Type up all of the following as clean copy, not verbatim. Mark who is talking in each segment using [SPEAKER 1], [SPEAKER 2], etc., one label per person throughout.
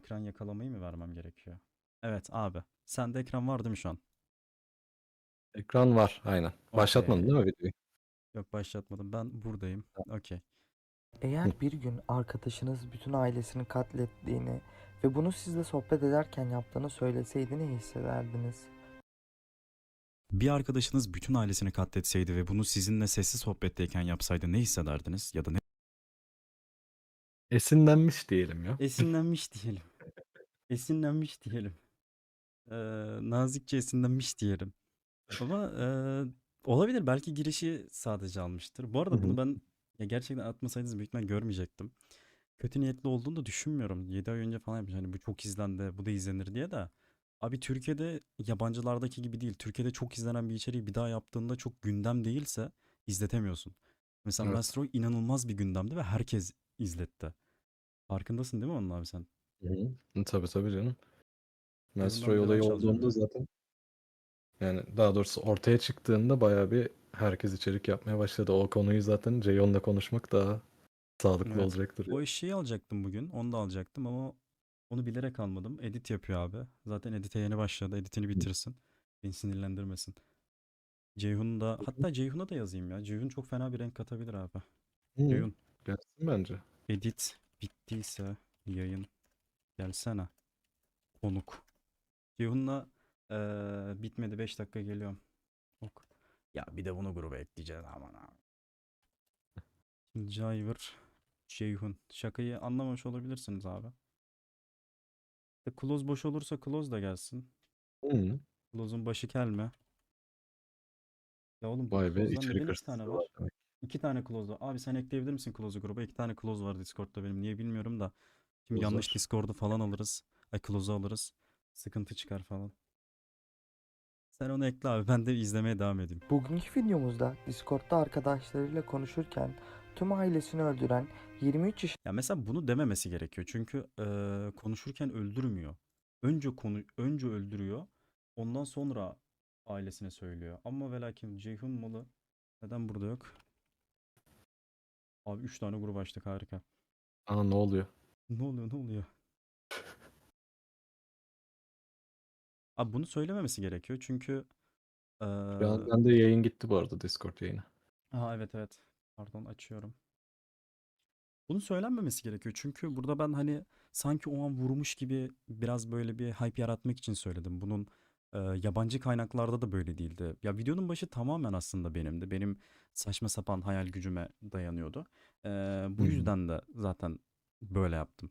[SPEAKER 1] ekran yakalamayı mı vermem gerekiyor? Evet abi. Sende ekran var değil mi şu an?
[SPEAKER 2] Ekran var aynen. Başlatmadın
[SPEAKER 1] Okey.
[SPEAKER 2] değil mi videoyu?
[SPEAKER 1] Yok başlatmadım. Ben buradayım. Okey.
[SPEAKER 3] Eğer bir gün arkadaşınız bütün ailesini katlettiğini ve bunu sizle sohbet ederken yaptığını söyleseydi ne hissederdiniz?
[SPEAKER 1] Bir arkadaşınız bütün ailesini katletseydi ve bunu sizinle sessiz sohbetteyken yapsaydı ne hissederdiniz? Ya da ne?
[SPEAKER 2] Esinlenmiş diyelim ya.
[SPEAKER 1] Esinlenmiş diyelim. Esinlenmiş diyelim. Ee, Nazikçe esinlenmiş diyelim. Ama olabilir. Belki girişi sadece almıştır. Bu
[SPEAKER 2] Hı
[SPEAKER 1] arada bunu
[SPEAKER 2] hı.
[SPEAKER 1] ben ya gerçekten atmasaydınız büyük ihtimal görmeyecektim. Kötü niyetli olduğunu da düşünmüyorum. 7 ay önce falan yapmış. Hani bu çok izlendi, bu da izlenir diye de. Abi Türkiye'de yabancılardaki gibi değil. Türkiye'de çok izlenen bir içeriği bir daha yaptığında çok gündem değilse izletemiyorsun. Mesela
[SPEAKER 2] Evet.
[SPEAKER 1] Maestro inanılmaz bir gündemdi ve herkes izletti. Farkındasın değil mi onun abi sen?
[SPEAKER 2] Hı hı. Tabii tabii canım.
[SPEAKER 1] Ceyhun'dan
[SPEAKER 2] Maestro
[SPEAKER 1] bir de ben
[SPEAKER 2] olayı
[SPEAKER 1] çalacağım
[SPEAKER 2] olduğunda
[SPEAKER 1] ya.
[SPEAKER 2] zaten yani daha doğrusu ortaya çıktığında bayağı bir herkes içerik yapmaya başladı. O konuyu zaten Ceyhun'la konuşmak daha sağlıklı
[SPEAKER 1] Evet.
[SPEAKER 2] olacaktır
[SPEAKER 1] O
[SPEAKER 2] ya.
[SPEAKER 1] eşeği alacaktım bugün. Onu da alacaktım ama onu bilerek almadım. Edit yapıyor abi. Zaten edite yeni başladı. Editini bitirsin. Beni sinirlendirmesin. Ceyhun da hatta Ceyhun'a da yazayım ya. Ceyhun çok fena bir renk katabilir abi.
[SPEAKER 2] Hı.
[SPEAKER 1] Ceyhun
[SPEAKER 2] Gelsin bence.
[SPEAKER 1] edit bittiyse yayın gelsene. Konuk. Ceyhun'la bitmedi 5 dakika geliyorum. Ok. Ya bir de bunu gruba ekleyeceğiz aman abi. Jayver Ceyhun. Şakayı anlamamış olabilirsiniz abi. Close boş olursa Close da gelsin.
[SPEAKER 2] Hı.
[SPEAKER 1] Close'un başı kel mi? Ya oğlum bu
[SPEAKER 2] Vay be,
[SPEAKER 1] Close'dan neden
[SPEAKER 2] içerik
[SPEAKER 1] 2 tane
[SPEAKER 2] hırsızlığı var
[SPEAKER 1] var?
[SPEAKER 2] demek.
[SPEAKER 1] 2 tane Close var. Abi sen ekleyebilir misin Close'u gruba? 2 tane Close var Discord'da benim. Niye bilmiyorum da. Şimdi yanlış
[SPEAKER 2] Bozar.
[SPEAKER 1] Discord'u falan alırız. Ay Close'u alırız. Sıkıntı çıkar falan. Sen onu ekle abi. Ben de izlemeye devam edeyim.
[SPEAKER 3] Bugünkü videomuzda Discord'da arkadaşlarıyla konuşurken tüm ailesini öldüren 23
[SPEAKER 1] Ya mesela bunu dememesi gerekiyor. Çünkü konuşurken öldürmüyor. Önce öldürüyor. Ondan sonra ailesine söylüyor. Ama ve lakin Ceyhun malı neden burada yok? Abi 3 tane grup açtık harika.
[SPEAKER 2] Aa, ne oluyor?
[SPEAKER 1] Ne oluyor ne oluyor? Abi bunu söylememesi gerekiyor. Çünkü eee
[SPEAKER 2] Şu an bende yayın gitti bu arada, Discord yayını.
[SPEAKER 1] evet evet. Pardon açıyorum. Bunun söylenmemesi gerekiyor. Çünkü burada ben hani sanki o an vurmuş gibi biraz böyle bir hype yaratmak için söyledim. Bunun yabancı kaynaklarda da böyle değildi. Ya videonun başı tamamen aslında benimdi. Benim saçma sapan hayal gücüme dayanıyordu.
[SPEAKER 2] Hı
[SPEAKER 1] Bu
[SPEAKER 2] hı.
[SPEAKER 1] yüzden de zaten böyle yaptım.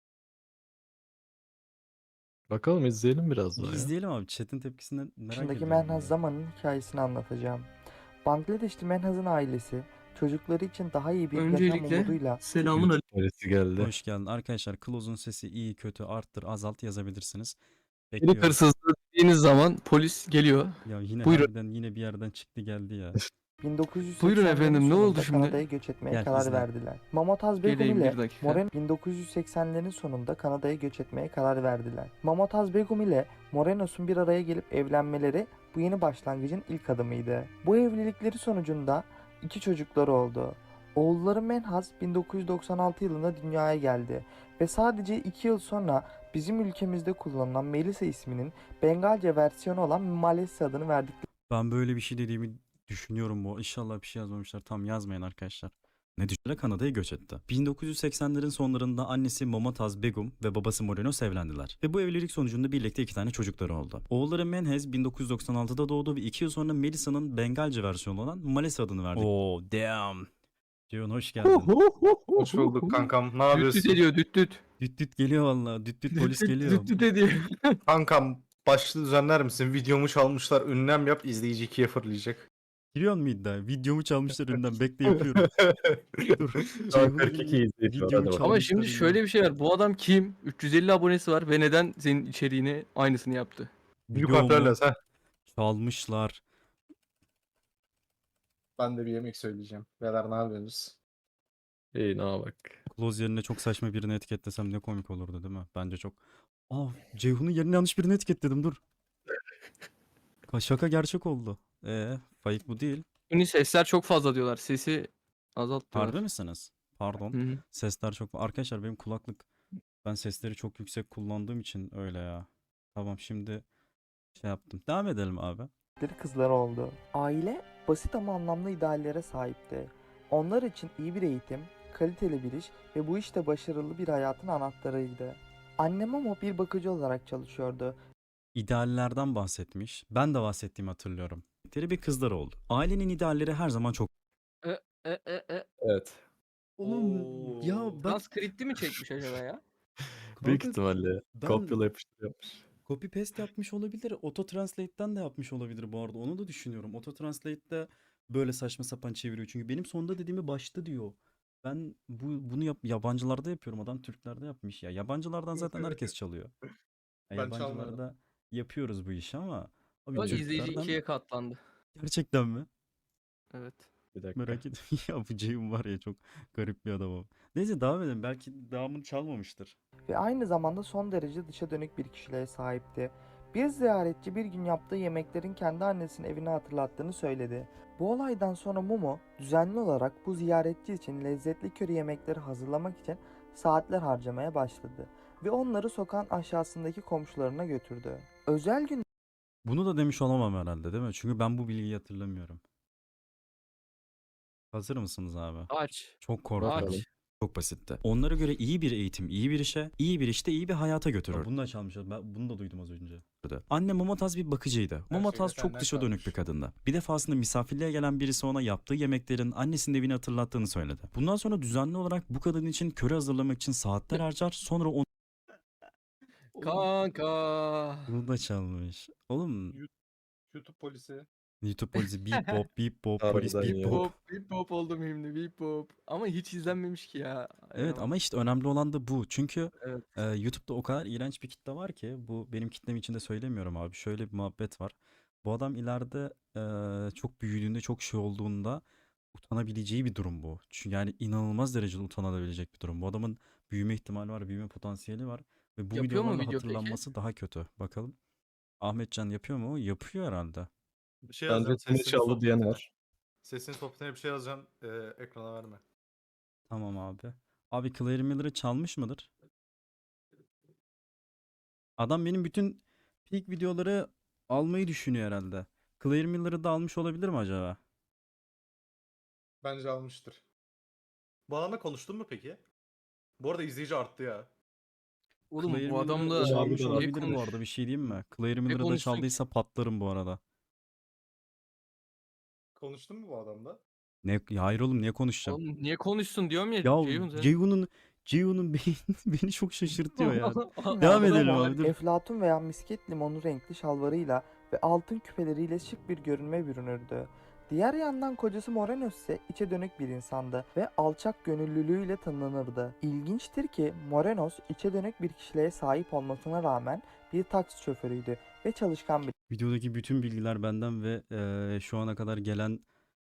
[SPEAKER 2] Bakalım, izleyelim biraz
[SPEAKER 1] Bir
[SPEAKER 2] daha ya.
[SPEAKER 1] izleyelim abi. Chat'in tepkisinden merak
[SPEAKER 3] yaşındaki
[SPEAKER 1] ediyorum
[SPEAKER 3] Menhaz
[SPEAKER 1] ya.
[SPEAKER 3] Zaman'ın hikayesini anlatacağım. Bangladeşli Menhaz'ın ailesi çocukları için daha iyi bir yaşam
[SPEAKER 4] Öncelikle
[SPEAKER 3] umuduyla
[SPEAKER 4] selamun
[SPEAKER 2] YouTube neresi geldi?
[SPEAKER 1] Hoş geldin. Arkadaşlar Close'un sesi iyi, kötü, arttır, azalt yazabilirsiniz.
[SPEAKER 4] aleyküm.
[SPEAKER 1] Bekliyorum.
[SPEAKER 4] Hırsızlığı dediğiniz zaman polis geliyor.
[SPEAKER 1] Ya yine
[SPEAKER 4] Buyurun.
[SPEAKER 1] harbiden yine bir yerden çıktı geldi ya.
[SPEAKER 4] Buyurun
[SPEAKER 3] 1980'lerin
[SPEAKER 4] efendim, ne oldu
[SPEAKER 3] sonunda
[SPEAKER 4] şimdi?
[SPEAKER 3] Kanada'ya göç etmeye
[SPEAKER 1] Gel
[SPEAKER 3] karar
[SPEAKER 1] izle.
[SPEAKER 3] verdiler. Mamotaz Begum
[SPEAKER 4] Geleyim
[SPEAKER 3] ile
[SPEAKER 4] bir dakika.
[SPEAKER 3] Moreno 1980'lerin sonunda Kanada'ya göç etmeye karar verdiler. Mamotaz Begum ile Morenos'un bir araya gelip evlenmeleri bu yeni başlangıcın ilk adımıydı. Bu evlilikleri sonucunda 2 çocukları oldu. Oğulları Menhaz 1996 yılında dünyaya geldi ve sadece 2 yıl sonra bizim ülkemizde kullanılan Melisa isminin Bengalce versiyonu olan Malesi adını verdikleri
[SPEAKER 1] Ben böyle bir şey dediğimi düşünüyorum bu. İnşallah bir şey yazmamışlar. Tam yazmayın arkadaşlar. Ne düşünerek Kanada'ya göç etti. 1980'lerin sonlarında annesi Momotaz Begum ve babası Morenos evlendiler. Ve bu evlilik sonucunda birlikte 2 tane çocukları oldu. Oğulları Menhez 1996'da doğdu ve 2 yıl sonra Melisa'nın Bengalce versiyonu olan Malesa adını verdi. Oo damn. Ceyhun hoş geldin.
[SPEAKER 5] Hoş bulduk kankam. Ne
[SPEAKER 4] Düt düt
[SPEAKER 5] yapıyorsun?
[SPEAKER 4] ediyor, düt düt.
[SPEAKER 1] Düt düt geliyor valla. Düt düt
[SPEAKER 4] Düt
[SPEAKER 1] polis
[SPEAKER 4] düt
[SPEAKER 1] geliyor.
[SPEAKER 4] düt düt ediyor.
[SPEAKER 5] Kankam başlığı düzenler misin? Videomu çalmışlar. Ünlem yap. İzleyici ikiye fırlayacak.
[SPEAKER 1] Giriyor mu iddia? Videomu çalmışlar önden. Bekle yapıyorum. Dur.
[SPEAKER 2] Şu an
[SPEAKER 1] Ceyhun'un
[SPEAKER 2] 42
[SPEAKER 1] yine
[SPEAKER 2] izleyici var,
[SPEAKER 1] videomu
[SPEAKER 2] hadi bakalım.
[SPEAKER 4] Ama
[SPEAKER 1] çalmışlar
[SPEAKER 4] şimdi
[SPEAKER 1] önden.
[SPEAKER 4] şöyle bir şey var. Bu adam kim? 350 abonesi var ve neden senin içeriğini aynısını yaptı?
[SPEAKER 5] Büyük harflerle
[SPEAKER 1] Videomu
[SPEAKER 5] sen.
[SPEAKER 1] çalmışlar.
[SPEAKER 5] Ben de bir yemek söyleyeceğim. Beyler ne yapıyorsunuz?
[SPEAKER 2] İyi, ne bak.
[SPEAKER 1] Close yerine çok saçma birini etiketlesem ne komik olurdu değil mi? Bence çok. Aa, Ceyhun'un yerine yanlış birini etiketledim dur. Şaka gerçek oldu. Fake bu değil.
[SPEAKER 4] Şimdi sesler çok fazla diyorlar. Sesi azalt
[SPEAKER 1] Harbi
[SPEAKER 4] diyorlar.
[SPEAKER 1] misiniz? Pardon.
[SPEAKER 4] Hı hı.
[SPEAKER 1] Sesler çok. Arkadaşlar benim kulaklık Ben sesleri çok yüksek kullandığım için öyle ya. Tamam, şimdi şey yaptım. Devam edelim abi.
[SPEAKER 3] kızları oldu. Aile basit ama anlamlı ideallere sahipti. Onlar için iyi bir eğitim, kaliteli bir iş ve bu işte başarılı bir hayatın anahtarıydı. Annem ama bir bakıcı olarak çalışıyordu.
[SPEAKER 1] İdeallerden bahsetmiş. Ben de bahsettiğimi hatırlıyorum. Bir kızlar oldu. Ailenin idealleri her zaman çok...
[SPEAKER 4] E, e.
[SPEAKER 2] Evet.
[SPEAKER 1] Oğlum ya bak
[SPEAKER 4] Transkripti mi çekmiş acaba ya?
[SPEAKER 2] Büyük
[SPEAKER 1] kanka,
[SPEAKER 2] ihtimalle
[SPEAKER 1] ben
[SPEAKER 2] kopyala yapıştır yapmış.
[SPEAKER 1] copy paste yapmış olabilir. Auto translate'ten de yapmış olabilir bu arada. Onu da düşünüyorum. Auto translate'de böyle saçma sapan çeviriyor. Çünkü benim sonda dediğimi başta diyor. Ben bunu yabancılarda yapıyorum. Adam Türklerde yapmış ya. Yabancılardan zaten herkes çalıyor. Ya
[SPEAKER 5] Ben çalmıyorum.
[SPEAKER 1] yabancılarda yapıyoruz bu işi ama abi
[SPEAKER 4] Bak izleyici
[SPEAKER 1] Türklerden
[SPEAKER 4] ikiye katlandı.
[SPEAKER 1] gerçekten mi?
[SPEAKER 4] Evet.
[SPEAKER 2] Bir dakika.
[SPEAKER 1] Merak ettim. Ya bu Ceyhun var ya, çok garip bir adam o. Neyse devam edelim. Belki devamını çalmamıştır.
[SPEAKER 3] Ve aynı zamanda son derece dışa dönük bir kişiliğe sahipti. Bir ziyaretçi bir gün yaptığı yemeklerin kendi annesinin evini hatırlattığını söyledi. Bu olaydan sonra Momo düzenli olarak bu ziyaretçi için lezzetli köri yemekleri hazırlamak için saatler harcamaya başladı ve onları sokağın aşağısındaki komşularına götürdü. Özel gün
[SPEAKER 1] Bunu da demiş olamam herhalde, değil mi? Çünkü ben bu bilgiyi hatırlamıyorum. Hazır mısınız abi?
[SPEAKER 4] Aç.
[SPEAKER 1] Çok korkuyorum.
[SPEAKER 4] Aç.
[SPEAKER 1] Çok basitti. Onlara göre iyi bir eğitim, iyi bir işe, iyi bir işte iyi bir hayata götürür. Bunu da çalmışlar. Ben bunu da duydum az önce. Anne Momotaz bir bakıcıydı. Momotaz
[SPEAKER 5] şeyi
[SPEAKER 1] çok
[SPEAKER 5] senden
[SPEAKER 1] dışa dönük bir
[SPEAKER 5] çalmış.
[SPEAKER 1] kadındı. Bir defasında misafirliğe gelen birisi ona yaptığı yemeklerin annesinin evini hatırlattığını söyledi. Bundan sonra düzenli olarak bu kadın için köri hazırlamak için saatler harcar. Sonra onu...
[SPEAKER 4] Kanka.
[SPEAKER 1] Bunu da çalmış. Oğlum,
[SPEAKER 5] YouTube polisi.
[SPEAKER 1] YouTube polisi bip bop bip bop polis
[SPEAKER 2] Harbiden
[SPEAKER 1] bip
[SPEAKER 2] ya.
[SPEAKER 1] bop.
[SPEAKER 4] Bip bip bop oldum şimdi bip bop. Ama hiç izlenmemiş ki ya.
[SPEAKER 1] Evet ama işte önemli olan da bu. Çünkü
[SPEAKER 4] Evet.
[SPEAKER 1] YouTube'da o kadar iğrenç bir kitle var ki, bu benim kitlem için de söylemiyorum abi. Şöyle bir muhabbet var. Bu adam ileride çok büyüdüğünde, çok şey olduğunda utanabileceği bir durum bu. Çünkü yani inanılmaz derecede utanabilecek bir durum. Bu adamın büyüme ihtimali var, büyüme potansiyeli var ve bu
[SPEAKER 4] Yapıyor mu
[SPEAKER 1] videolarla
[SPEAKER 4] video peki?
[SPEAKER 1] hatırlanması daha kötü. Bakalım. Ahmetcan yapıyor mu? Yapıyor herhalde.
[SPEAKER 5] Bir şey
[SPEAKER 2] Bence
[SPEAKER 5] yazacağım.
[SPEAKER 2] Tine çaldı diyen var.
[SPEAKER 5] Sesini sohbetine bir şey yazacağım. Ekrana verme.
[SPEAKER 1] Tamam abi. Abi Claire Miller'ı çalmış mıdır? Adam benim bütün peak videoları almayı düşünüyor herhalde. Claire Miller'ı da almış olabilir mi acaba?
[SPEAKER 5] Bence almıştır. Bu adamla konuştun mu peki? Bu arada izleyici arttı ya.
[SPEAKER 4] Oğlum
[SPEAKER 1] Claire
[SPEAKER 4] bu
[SPEAKER 1] Miller'ı
[SPEAKER 4] adamla
[SPEAKER 1] çalmış
[SPEAKER 2] Harbiden
[SPEAKER 1] olabilir bu arada, bir şey diyeyim mi? Claire Miller'ı da
[SPEAKER 4] konuşsun ki?
[SPEAKER 1] çaldıysa patlarım bu arada.
[SPEAKER 5] Konuştun mu bu adamla?
[SPEAKER 1] Ne, ya hayır oğlum, niye konuşacağım?
[SPEAKER 4] Oğlum niye konuşsun diyorum ya
[SPEAKER 1] Ya
[SPEAKER 4] Ceyhun sen.
[SPEAKER 1] Ceyhun'un beni çok şaşırtıyor ya.
[SPEAKER 3] günlerde
[SPEAKER 1] Devam edelim
[SPEAKER 3] Momo,
[SPEAKER 1] abi, dur.
[SPEAKER 3] eflatun veya misket limonu renkli şalvarıyla ve altın küpeleriyle şık bir görünme bürünürdü. Diğer yandan kocası Morenos ise içe dönük bir insandı ve alçak gönüllülüğüyle tanınırdı. İlginçtir ki Morenos içe dönük bir kişiliğe sahip olmasına rağmen bir taksi şoförüydü ve çalışkan bir
[SPEAKER 1] Videodaki bütün bilgiler benden ve şu ana kadar gelen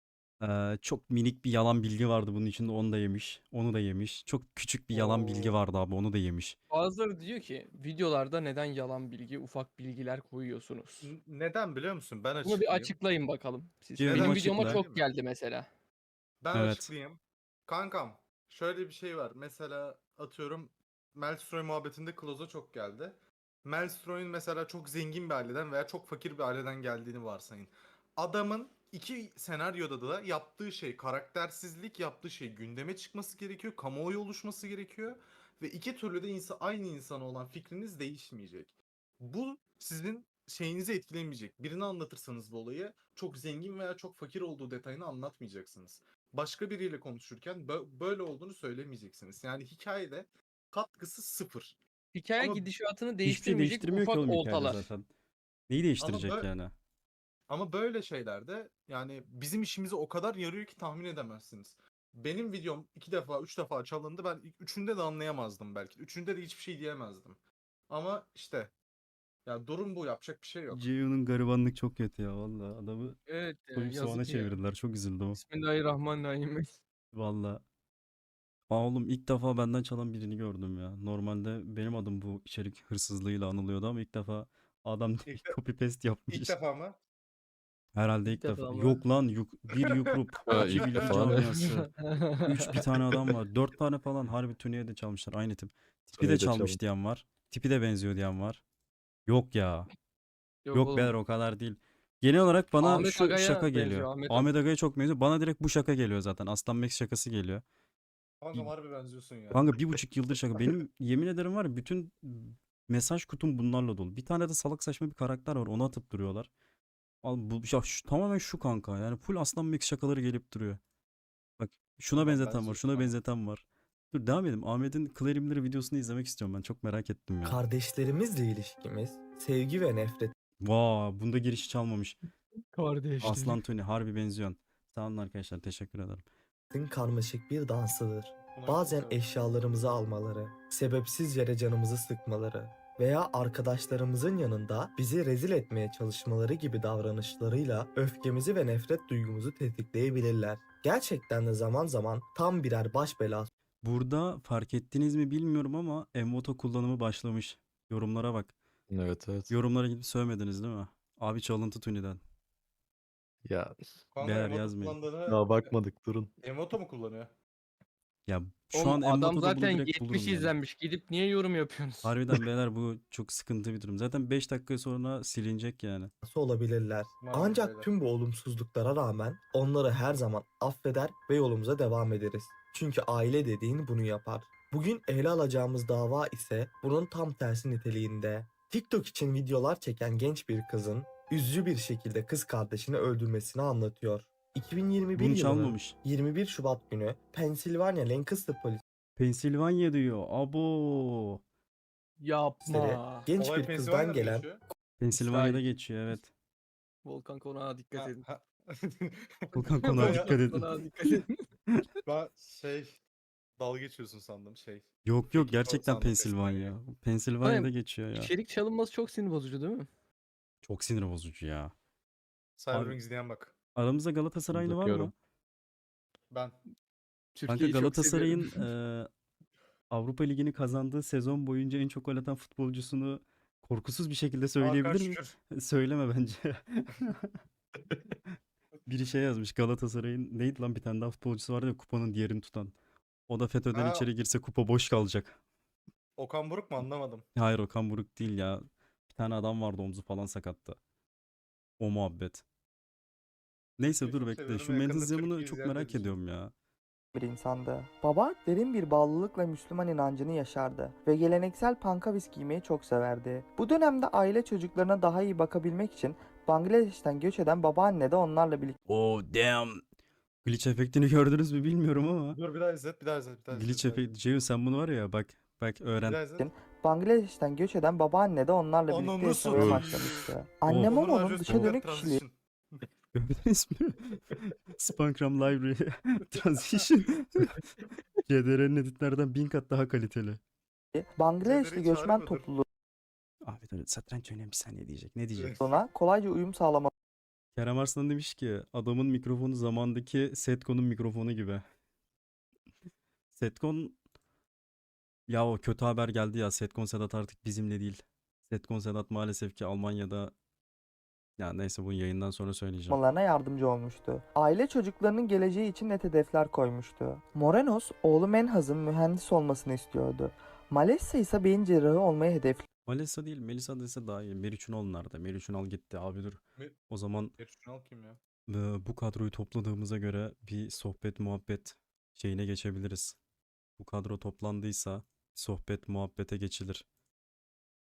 [SPEAKER 1] çok minik bir yalan bilgi vardı bunun içinde, onu da yemiş. Onu da yemiş. Çok küçük bir yalan bilgi
[SPEAKER 5] Oo.
[SPEAKER 1] vardı abi, onu da yemiş.
[SPEAKER 4] Bazıları diyor ki videolarda neden yalan bilgi, ufak bilgiler koyuyorsunuz?
[SPEAKER 5] Neden biliyor musun? Ben
[SPEAKER 4] Bunu bir
[SPEAKER 5] açıklayayım.
[SPEAKER 4] açıklayın bakalım siz.
[SPEAKER 1] Ceyhun'um
[SPEAKER 4] Benim
[SPEAKER 5] Neden
[SPEAKER 4] videoma
[SPEAKER 1] açıkla.
[SPEAKER 4] çok geldi mesela.
[SPEAKER 5] Ben
[SPEAKER 1] Evet.
[SPEAKER 5] açıklayayım. Kankam, şöyle bir şey var. Mesela atıyorum Melstroy muhabbetinde Kloz'a çok geldi. Melstroy'un mesela çok zengin bir aileden veya çok fakir bir aileden geldiğini varsayın. Adamın iki senaryoda da yaptığı şey karaktersizlik, yaptığı şey gündeme çıkması gerekiyor, kamuoyu oluşması gerekiyor ve iki türlü de aynı insana olan fikriniz değişmeyecek. Bu sizin şeyinizi etkilemeyecek. Birini anlatırsanız bu olayı çok zengin veya çok fakir olduğu detayını anlatmayacaksınız. Başka biriyle konuşurken böyle olduğunu söylemeyeceksiniz. Yani hikayede katkısı sıfır.
[SPEAKER 4] Hikaye
[SPEAKER 5] Ama
[SPEAKER 4] gidişatını
[SPEAKER 1] Hiçbir şey
[SPEAKER 4] değiştirmeyecek
[SPEAKER 1] değiştirmiyor ki
[SPEAKER 4] ufak
[SPEAKER 1] oğlum hikayede
[SPEAKER 4] oltalar.
[SPEAKER 1] zaten. Neyi
[SPEAKER 5] ama
[SPEAKER 1] değiştirecek
[SPEAKER 5] bö-
[SPEAKER 1] yani?
[SPEAKER 5] ama böyle şeylerde yani bizim işimize o kadar yarıyor ki tahmin edemezsiniz. Benim videom 2 defa 3 defa çalındı. Ben ilk üçünde de anlayamazdım belki. Üçünde de hiçbir şey diyemezdim. Ama işte ya durum bu, yapacak bir şey yok.
[SPEAKER 1] Ceyhun'un garibanlık çok kötü ya vallahi. Adamı
[SPEAKER 4] Evet ya,
[SPEAKER 1] soyup soğana
[SPEAKER 4] yazık ya.
[SPEAKER 1] çevirdiler. Çok üzüldüm.
[SPEAKER 4] Bismillahirrahmanirrahim.
[SPEAKER 1] Vallahi. Aa oğlum, ilk defa benden çalan birini gördüm ya. Normalde benim adım bu içerik hırsızlığıyla anılıyordu ama ilk defa adam
[SPEAKER 5] İlk, de-
[SPEAKER 1] copy paste
[SPEAKER 5] ilk
[SPEAKER 1] yapmış.
[SPEAKER 5] defa mı?
[SPEAKER 1] Herhalde ilk
[SPEAKER 4] İlk defa
[SPEAKER 1] defa.
[SPEAKER 4] mı?
[SPEAKER 1] Yok lan bir Yukrup,
[SPEAKER 2] Ha,
[SPEAKER 1] iki
[SPEAKER 2] ilk
[SPEAKER 1] Bilgi
[SPEAKER 2] defa.
[SPEAKER 1] camiası, üç bir tane adam var. Dört tane falan harbi Tuni'ye de çalmışlar. Aynı tip. Tipi de
[SPEAKER 2] Tuni'yi de
[SPEAKER 1] çalmış
[SPEAKER 2] çalmış.
[SPEAKER 1] diyen var. Tipi de benziyor diyen var. Yok ya.
[SPEAKER 4] Yok
[SPEAKER 1] Yok
[SPEAKER 4] oğlum.
[SPEAKER 1] beyler o kadar değil. Genel olarak bana
[SPEAKER 4] Ahmet
[SPEAKER 1] şu
[SPEAKER 4] Aga'ya
[SPEAKER 1] şaka
[SPEAKER 4] benziyor,
[SPEAKER 1] geliyor.
[SPEAKER 4] Ahmet
[SPEAKER 1] Ahmet Aga'ya çok benziyor. Bana direkt bu şaka geliyor zaten. Aslan Max şakası geliyor.
[SPEAKER 5] Kankam harbi benziyorsun ya.
[SPEAKER 1] Kanka 1,5 yıldır şaka. Benim yemin ederim var ya bütün mesaj kutum bunlarla dolu. Bir tane de salak saçma bir karakter var. Onu atıp duruyorlar. Al bu ya tamamen şu kanka. Yani full Aslan Max şakaları gelip duruyor. Bak şuna
[SPEAKER 5] Kankam
[SPEAKER 1] benzeten var.
[SPEAKER 5] benziyorsun
[SPEAKER 1] Şuna
[SPEAKER 5] ama.
[SPEAKER 1] benzeten var. Dur devam edelim. Ahmet'in Clarimleri videosunu izlemek istiyorum ben. Çok merak ettim ya.
[SPEAKER 6] Kardeşlerimizle ilişkimiz, sevgi ve nefretin
[SPEAKER 1] Vaa bunda girişi çalmamış.
[SPEAKER 4] Kardeşlik.
[SPEAKER 1] Aslan Tuni harbi benziyorsun. Sağ olun arkadaşlar. Teşekkür ederim.
[SPEAKER 6] karmaşık bir dansıdır.
[SPEAKER 5] Buna
[SPEAKER 6] Bazen
[SPEAKER 5] çok severim.
[SPEAKER 6] eşyalarımızı almaları, sebepsiz yere canımızı sıkmaları veya arkadaşlarımızın yanında bizi rezil etmeye çalışmaları gibi davranışlarıyla öfkemizi ve nefret duygumuzu tetikleyebilirler. Gerçekten de zaman zaman tam birer baş belası
[SPEAKER 1] Burada fark ettiniz mi bilmiyorum ama Envoto kullanımı başlamış. Yorumlara bak.
[SPEAKER 2] Evet evet.
[SPEAKER 1] Yorumlara gidip sövmediniz değil mi? Abi çalıntı Tuni'den.
[SPEAKER 2] Ya
[SPEAKER 5] Kanka
[SPEAKER 1] Değer
[SPEAKER 5] emote
[SPEAKER 1] yazmayın.
[SPEAKER 5] kullandığını
[SPEAKER 2] daha bakmadık durun.
[SPEAKER 5] emoto mu kullanıyor?
[SPEAKER 1] Ya şu
[SPEAKER 4] Oğlum
[SPEAKER 1] an
[SPEAKER 4] adam
[SPEAKER 1] Envoto'da bunu
[SPEAKER 4] zaten
[SPEAKER 1] direkt
[SPEAKER 4] 70
[SPEAKER 1] bulurum yani.
[SPEAKER 4] izlenmiş. Gidip niye yorum yapıyorsunuz?
[SPEAKER 1] Harbiden beyler bu çok sıkıntı bir durum. Zaten 5 dakika sonra silinecek yani.
[SPEAKER 6] olabilirler.
[SPEAKER 5] Maalesef
[SPEAKER 6] Ancak
[SPEAKER 5] öyle.
[SPEAKER 6] tüm bu olumsuzluklara rağmen onları her zaman affeder ve yolumuza devam ederiz. Çünkü aile dediğin bunu yapar. Bugün ele alacağımız dava ise bunun tam tersi niteliğinde. TikTok için videolar çeken genç bir kızın üzücü bir şekilde kız kardeşini öldürmesini anlatıyor. 2021
[SPEAKER 1] Bunu
[SPEAKER 6] yılının
[SPEAKER 1] çalmamış.
[SPEAKER 6] 21 Şubat günü Pennsylvania Lancaster
[SPEAKER 1] Pensilvanya diyor. Abo.
[SPEAKER 6] polisleri
[SPEAKER 4] Yapma.
[SPEAKER 6] genç
[SPEAKER 5] Olay
[SPEAKER 6] bir kızdan
[SPEAKER 5] Pennsylvania'da mı
[SPEAKER 6] gelen
[SPEAKER 5] geçiyor?
[SPEAKER 1] Pensilvanya'da
[SPEAKER 4] İsrail.
[SPEAKER 1] geçiyor evet.
[SPEAKER 4] Volkan konağa dikkat
[SPEAKER 5] Ha,
[SPEAKER 4] edin.
[SPEAKER 5] ha.
[SPEAKER 1] Volkan konağa
[SPEAKER 5] Ben-
[SPEAKER 1] dikkat edin.
[SPEAKER 4] Konağa dikkat edin.
[SPEAKER 5] Ben dalga geçiyorsun sandım
[SPEAKER 1] Yok
[SPEAKER 5] Peki,
[SPEAKER 1] gerçekten
[SPEAKER 5] sandım
[SPEAKER 1] Pensilvanya. Pensilvanya'da geçiyor ya.
[SPEAKER 4] İçerik çalınması çok sinir bozucu değil mi?
[SPEAKER 1] Çok sinir bozucu ya.
[SPEAKER 5] Cyberpunk izleyen bak.
[SPEAKER 1] Aramızda Galatasaraylı var mı?
[SPEAKER 2] Bakıyorum.
[SPEAKER 5] Ben.
[SPEAKER 1] Kanka
[SPEAKER 4] Türkiye'yi çok
[SPEAKER 1] Galatasaray'ın
[SPEAKER 4] seviyorum.
[SPEAKER 1] Avrupa Ligi'ni kazandığı sezon boyunca en çok gol atan futbolcusunu korkusuz bir şekilde
[SPEAKER 5] Hakan
[SPEAKER 1] söyleyebilir miyim?
[SPEAKER 5] Şükür.
[SPEAKER 1] Söyleme bence. Biri şey yazmış Galatasaray'ın neydi lan bir tane daha futbolcusu vardı ya kupanın diğerini tutan. O da FETÖ'den
[SPEAKER 5] Ha.
[SPEAKER 1] içeri girse kupa boş kalacak.
[SPEAKER 5] Okan Buruk mu anlamadım.
[SPEAKER 1] Hayır Okan Buruk değil ya. Bir tane adam vardı omzu falan sakattı. O muhabbet. Neyse
[SPEAKER 5] Çok
[SPEAKER 1] dur bekle.
[SPEAKER 5] seviyorum,
[SPEAKER 1] Şu
[SPEAKER 5] yakında
[SPEAKER 1] Mendes Yaman'ı
[SPEAKER 5] Türkiye
[SPEAKER 1] çok
[SPEAKER 5] ziyaret
[SPEAKER 1] merak
[SPEAKER 5] edeceğim.
[SPEAKER 1] ediyorum ya.
[SPEAKER 3] bir insandı. Baba derin bir bağlılıkla Müslüman inancını yaşardı ve geleneksel pankavis giymeyi çok severdi. Bu dönemde aile çocuklarına daha iyi bakabilmek için Bangladeş'ten göç eden babaanne de onlarla birlikte
[SPEAKER 1] Oh damn. Glitch efektini gördünüz mü bilmiyorum ama.
[SPEAKER 5] Dur bir daha izlet, bir daha izlet, bir daha izlet.
[SPEAKER 1] Glitch
[SPEAKER 5] bir daha
[SPEAKER 1] efekti. Ceyhun sen bunu var ya bak
[SPEAKER 5] Bir
[SPEAKER 1] öğren.
[SPEAKER 5] daha izlet.
[SPEAKER 3] Bangladeş'ten göç eden babaanne de onlarla birlikte
[SPEAKER 5] Ananı
[SPEAKER 3] yaşamaya
[SPEAKER 2] satayım.
[SPEAKER 3] başlamıştı. Anne
[SPEAKER 1] Oh.
[SPEAKER 3] Momo'nun dışa dönük kişiliği
[SPEAKER 1] Gördünüz mü? Spankram Library Transition. CDR'nin editlerden 1000 kat daha kaliteli.
[SPEAKER 3] Bangladeşli
[SPEAKER 5] Cederi
[SPEAKER 3] göçmen
[SPEAKER 5] çağırmadır.
[SPEAKER 3] topluluğuna
[SPEAKER 1] Ahmet öyle satranç oynayan bir saniye diyecek. Ne diyecek?
[SPEAKER 3] kolayca uyum sağlaması
[SPEAKER 1] Kerem Arslan demiş ki adamın mikrofonu zamandaki Setkon'un mikrofonu gibi. Setkon ya o kötü haber geldi ya. Setkon Sedat artık bizimle değil. Setkon Sedat maalesef ki Almanya'da ya neyse bunu yayından sonra söyleyeceğim.
[SPEAKER 3] yapmalarına yardımcı olmuştu. Aile çocuklarının geleceği için net hedefler koymuştu. Morenos, oğlu Menhaz'ın mühendis olmasını istiyordu. Malessa ise beyin cerrahı olmayı hedefliyordu.
[SPEAKER 1] Melisa değil Melisa dese daha iyi. Meriç Ünal nerede? Meriç Ünal gitti abi dur.
[SPEAKER 5] Me-
[SPEAKER 1] O zaman
[SPEAKER 5] Ertuğrul kim ya?
[SPEAKER 1] bu kadroyu topladığımıza göre bir sohbet muhabbet şeyine geçebiliriz. Bu kadro toplandıysa sohbet muhabbete geçilir.